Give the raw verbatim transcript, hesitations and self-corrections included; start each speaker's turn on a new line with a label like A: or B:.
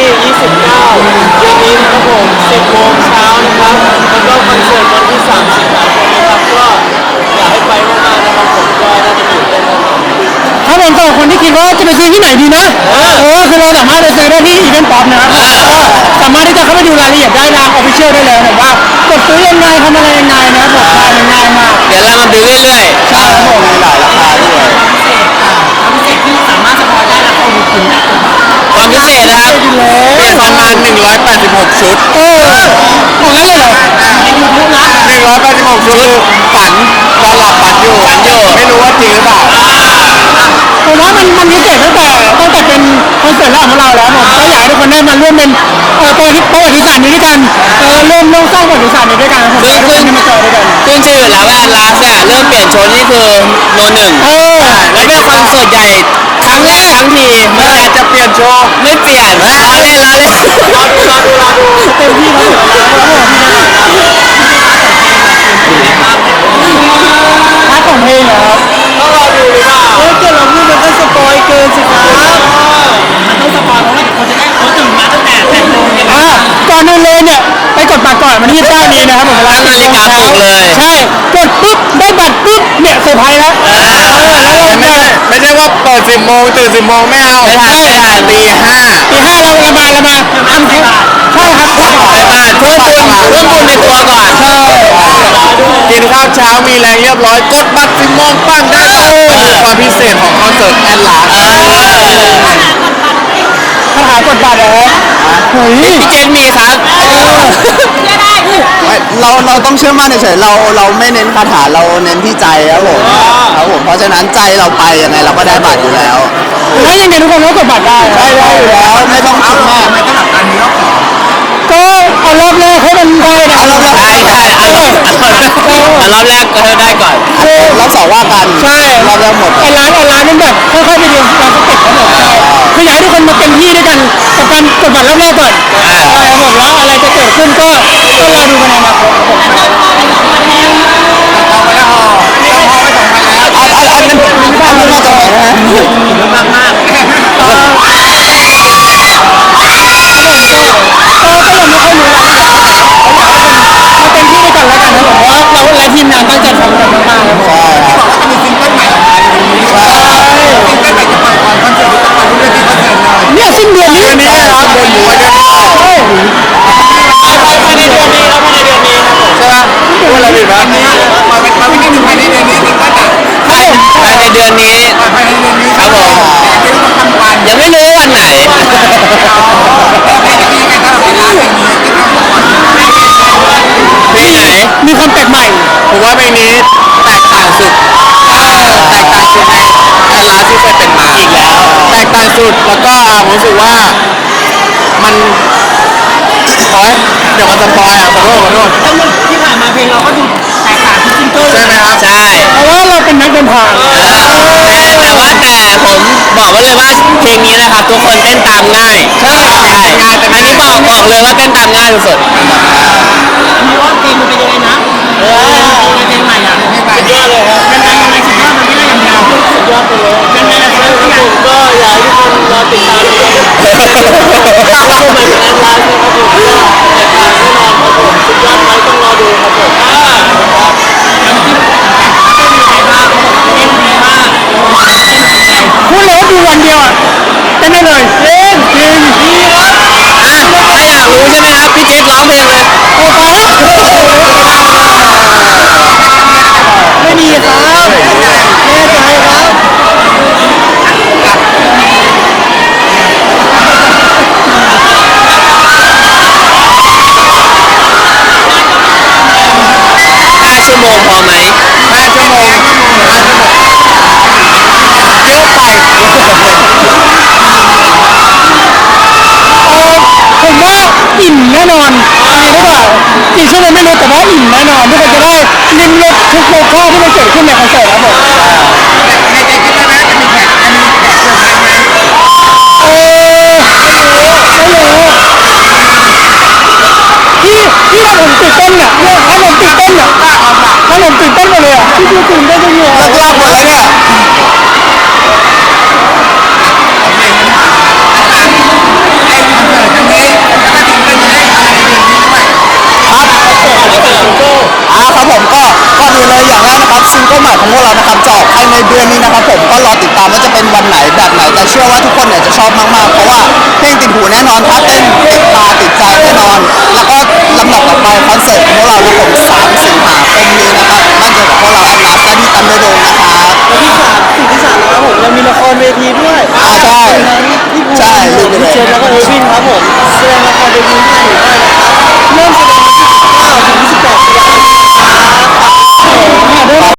A: ยี่สิบเก้าเดือนนี้นะครับผมสิบโมงเช้านะครับแล้วก็คอนเสิร์ตวันที่สามสิงหาคมนะครับก็อยากให้ไปมากๆนะครับผมก็น่าจะตื่นเต้นแน่นอน
B: ถ้าผมสำหรับคนที่คิดว่าจะไปซื้อที่ไหนดีนะโอ้คือเราสามารถไปซื้อได้ที่อีเวนต์ป๊อปนะครับสามารถที่จะเข้าไปดูรายละเอียดได้ทางออฟฟิเชียลได้เลยผมว่ากดซื้อยังไงทำอะไรยังไงนะครับผมทำง่ายมาก
C: เดี๋ยวเรามาดูเรื่อยๆ
B: ใช่ครับผม
C: มีหลายราคาด้วย
D: พิเศษที่สามารถสปอยได้แล้วคนถึงได้
C: ความพิเศษนะครับมีประมาณหนึ่งร้อยแปดสิบหกชุด
B: โอ้หมดแล้วเลยเหรอ
C: หนึ่งร้อยแปดสิบหกชุดฝันตอนหลับฝันอยู่ฝันอยู่ไม่รู้ว่าจริงหรือเปล่า
B: ผมว่ามันมันพิเศษตั้งแต่ตั้งแต่เป็นคอนเสิร์ตแรกของเราแล้วผมก็อยากให้ทุกคนได้มาร่วมเป็นเอ่อตัวที่ประวัติศาสตร์นี้ด้วยกันเออร่วมร่วมสร้างประวัติศาสตร์นี้ด้วยกันผมอยากให้ทุกคนมาเจอด้วยกัน
C: ขึ้นชื่ออยู่แล้วว่าลาสเนี่ยเริ่มเปลี่ยนโชว์นี่คือโนหนึ่ง
B: เออ
C: แล้วเป็นคอนเสิร์ตใหญ่ครั้งแรกทั้งทีเมื่อจะเปลี่ยนโชว์ไม่เปลี่ยนล้อเล่นล้อเล่นรอดูรอดูรอดู
B: เต็มที่ครับพาร์ทของเพลงเหรอครับ
A: ต้องรอดูหรือเปล่าเฮ้ยเกิดเราพูดมันก็สปอยเกินสิครับ
D: มันต้องสปอยเพราะว่าคนจะได้เขาตื่นมาตั้งแต่แปดโมงเนี่ย
B: อ่าก่อนอื่นเลยเนี่ยไปกดบัตรก่อนวันที่ยี่สิบเก้านี้นะครับผมเวลา
C: นาฬิกาปลุกเลย
B: ใช่กดปุ๊บได้บัตรปุ๊บเนี่ยเซอร์ไพรส์แล้วเออแล้วเรา
C: ไม่ใช่ไม่ใช่ว่าเปิดสิบโมงตื่นสิบโมงไม่เอาไม่ใช่ตีห้า
B: ตีห้าเราละมาละมาทำทุกใช่ครับทุก
C: ไปบ้านช่วยบุญช่วยบุญในตัวก่อน
B: ใช่
C: กินข้าวเช้ามีแรงเรียบร้อยกดบัตรสิบโมงปั้งได้เลยความพิเศษของคอนเสิร์ตแอนลา
B: คาถากดบัตรเหรอเฮ้ย
C: พี่เจนมีครับ
E: เราเราต้องเชื่อมั่นเฉยๆเราเราไม่เน้นคาถาเราเน้นที่ใจครับผมครับผมเพราะฉะนั้นใจเราไปยังไงเราก็ได้บัตรอยู่แล้ว
B: ถ้ายังไงทุกคนก็กดบัตรได้
E: ได้ได้อยู่แล้วไม่ต้องคิดมาก
D: ไม่ต้องหลับตานี้แล้ว
B: ก็เอารอบแรกให้มันได้นะ
C: รอบแรกได้ได้เอารอบเอารอบแรกก็ได้ก่อน
E: รอบสองว่ากัน
B: ใช่
E: รอบแรกหมด
B: ไอ้ร้านไอ้ร้านนั้นแบบค่อยๆไปดูร้านสเต็ปทั้งหมดใช่คืออยากให้ทุกคนมาเต็มที่ด้วยกันกับการกดบัตรรอบแรกก่อนใช่ครับผมแล้วอะไรจะเกิดขึ้นก็ก็รอดูกันในอนาคตครับผม
E: อันอันอันนั้นอันนั้นมาจากไหนนะ
D: มากมาก
B: เออก็ยังไม่ค่อยรู้รายละเอียดมาเต็มที่ด้วยกันแล้วกันนะผมว่าเราและทีมงานตั้งใจทำกันมากๆครับผม
E: ใช่ครับ
D: จะมีซิงเกิลใหม่ออกมาในนี้ใช่ซิงเกิลใหม่จะปล่อยก่อนคอนเสิร์ตจะปล่อยเรื่องที่คอนเสิร์ตเลย
B: เนี่ยสิ้นเดือนนี้
E: นี่ครับเดือนหมูเดือนนี้
B: ใช่
A: ภายในเดือนนี้ครับภายในเดือนนี้ครับผม
E: ใช่ไหมพูดอะไรผิดไหม
D: มาเป็นมาเป็นที่หนึ่งภายในเดือนนี้ซิงเกิลอ่ะ
C: ภายภายในเดือนนี้
D: ภายในเดือนนี้
C: ครับผม
D: ไม่รู้ทำวัน
C: ยังไม่รู้วันไหนเพลงไหน
B: มีความแปลกใหม่
C: ผมว่าเพลงนี้แตกต่างสุดแตกต่างสุดในแอนลาที่เคยเป็นมาอีกแล้วแตกต่างสุดแล้วก็ผมรู้สึกว่ามันขอเดี๋ยวมันจะปอยอ่ะขอโทษขอโทษ
D: ทั้งหมดที่ผ่านมาเพลงเราก็ดูแตกต่างทุกซิงเกิล
C: ใช่ไหมครับใช่
B: เพราะว่าเราเป็นนักเดินทาง
C: แต่ว่าแต่ผมบอกไว้เลยว่าเพลงนี้นะครับทุกคนเต้นตามง่ายใช่ใช่อันนี้บอกบอกเลยว่าเต้นตามง่ายสุด
D: มีว่าเพลงมันเป็นยังไงนะเออเพลงใหม่อ่ะเพลงใหม่
A: ยอดเลยครับ
D: ยังไงยังไงสุดยอดมันไม่ได้ยังไง
A: สุดยอดไปเลยยังไงนะครับผมก็อยากให้ทุกคนรอติดตามนะครับก็เหมือนแอนลาสนะครับผมก็แตกต่างแน่นอนครับผมสุดยอดไหมต้องรอดูครับผม
D: พูดเลย
B: ว่าดูวันเดียวอ่ะเต้นได้เลยเล่นจริงดีครับ
C: ถ้าอยากรู้ใช่ไหมครับพี่เจษร้องเพลงเลย
B: โอ้ไปไม่มีครับแน่ใจครับ
C: ห้าชั่วโมงพอไหม
E: ห้าชั่วโมงห้าชั่วโมงเยอะไป
B: ผมว่าอิ่มแน่นอนอะไรหรือเปล่ากี่ชั่วโมงไม่รู้แต่ว่าอิ่มแน่นอนทุกคนจะได้ลิ้มรสทุกโมฆะที่มันเกิดขึ้นในคอนเสิร์ตครับผม
D: ในใจคิดว่าจะมีแขกจะมีแขกเซอร์ไพรส์ไหม
B: เออไม่รู้ไม่รู้ที่ที่เราผมตื่นเต้นอ่ะเนี่ยถ้าผมตื่นเต้นอ่ะถ้าผมตื่นเต้นหมดเลยอ่ะที่ดูตื่นเต้นจังเลย
E: เลิกเล่าหมดแล้วเนี่ย
D: ไอ้คอนเสิร์ตจะ
E: ครับซิงเกิลใหม่ของพวกเรานะครับจะออกภายในเดือนนี้นะครับผมก็รอติดตามว่าจะเป็นวันไหนแบบไหนแต่เชื่อว่าทุกคนเนี่ยจะชอบมากๆเพราะว่าเพลงติดหูแน่นอนถ้าเต้นติดตาติดใจแน่นอน แล้วก็ลำดับต่อไปคอนเสิร์ตของพวกเราครับผมสามสิงหาคมนี้นะครับมั่นใจกับพวกเราแอดลาสและที่ตันเดอร์โดมนะครับ
A: และที่สามสิ่งที่สามนะครับผมยังมีละครเวทีด้วย
E: อ่าใช่
A: ที่ภูมิ
E: ใช่ลืมไปเลย
A: พี่เจมส์แล้วก็เออร์วินครับผมแสดงละครเวทีที่